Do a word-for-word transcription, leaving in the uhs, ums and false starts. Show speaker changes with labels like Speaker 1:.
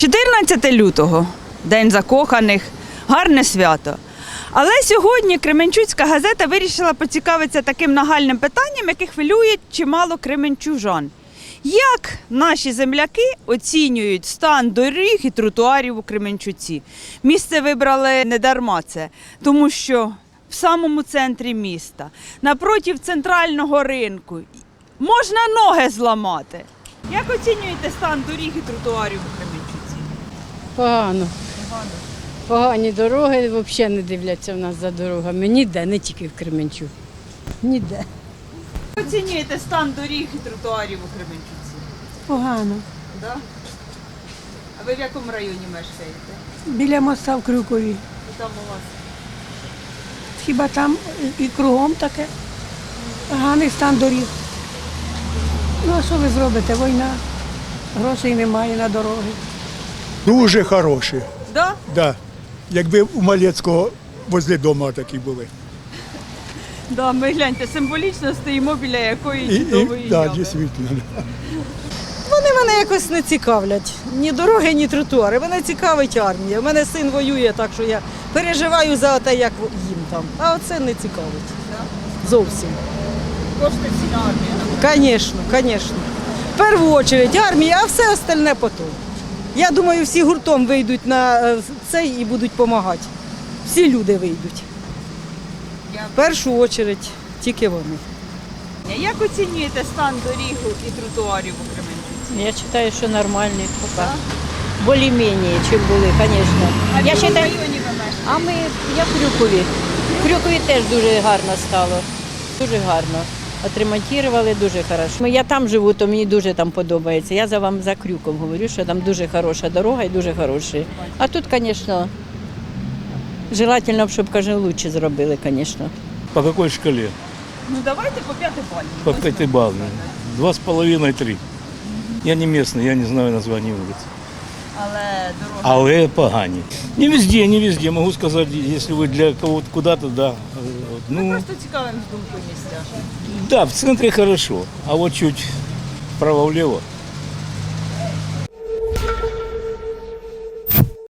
Speaker 1: чотирнадцяте лютого – День закоханих, гарне свято. Але сьогодні Кременчуцька газета вирішила поцікавитися таким нагальним питанням, яке хвилює чимало кременчужан. Як наші земляки оцінюють стан доріг і тротуарів у Кременчуці? Місце вибрали не дарма це, тому що в самому центрі міста, напротив центрального ринку, можна ноги зламати. Як оцінюєте стан доріг і тротуарів у Кременчуці?
Speaker 2: Погано. Погані дороги, взагалі не дивляться в нас за дорогами. Ніде, не тільки в Кременчуці. Ніде.
Speaker 1: Як оцінюєте стан доріг і тротуарів у Кременчуці?
Speaker 3: Погано.
Speaker 1: Да? А ви в якому районі мешкаєте?
Speaker 3: Біля моста в Крюкові.
Speaker 1: І там у вас?
Speaker 3: Хіба там і кругом таке? Поганий стан доріг. Ну а що ви зробите? Війна. Грошей немає на дороги.
Speaker 4: Дуже хороші.
Speaker 1: Да?
Speaker 4: Да. Якби у Малецького возле дому такі були.
Speaker 1: Да, ми гляньте, символічно стоїмо біля якої
Speaker 4: І,
Speaker 1: чудової
Speaker 4: і, да,
Speaker 1: ями.
Speaker 4: дійсно.
Speaker 5: Вони мене якось не цікавлять. Ні дороги, ні тротуари. Мене цікавить армія. У мене син воює, так що я переживаю за те, як їм там. А оце не цікавить. Зовсім.
Speaker 1: Кошти всі на армію.
Speaker 5: Звісно, звісно. В першу чергу армія, а все остальне потім. Я думаю, всі гуртом вийдуть на е, цей і будуть допомагати. Всі люди вийдуть. В першу чергу тільки вони.
Speaker 1: Як оцінюєте стан доріг і тротуарів у Кременчуці?
Speaker 6: Я считаю, что нормальные пока. Более-менее, чем були, конечно.
Speaker 1: А в
Speaker 6: Я
Speaker 1: якому
Speaker 6: считаю,
Speaker 1: районі ви мешкаєте?
Speaker 6: а ми, я в Крюкові. В Крюкові теж дуже гарно стало. Дуже гарно. Отремонтували дуже хорошо. Я там живу, то мені дуже там подобається. Я за вам за Крюком говорю, що там дуже хороша дорога і дуже хороші. А тут, звісно, желательно, щоб, каже, лучше зробили, звісно.
Speaker 7: По какой шкале?
Speaker 1: Ну давайте по п'ятибальній.
Speaker 7: По пятибалльной. Два с половиной, три. Я не местный, я не знаю название улиц.
Speaker 1: Але дорога.
Speaker 7: Але погані. Не везде, не везде. Могу сказать, если вы для кого-то куда-то, да. Э,
Speaker 1: Ми
Speaker 7: Ну,
Speaker 1: просто цікавимо з думкою місця.
Speaker 7: да, в центре хорошо, а вот чуть вправо-влево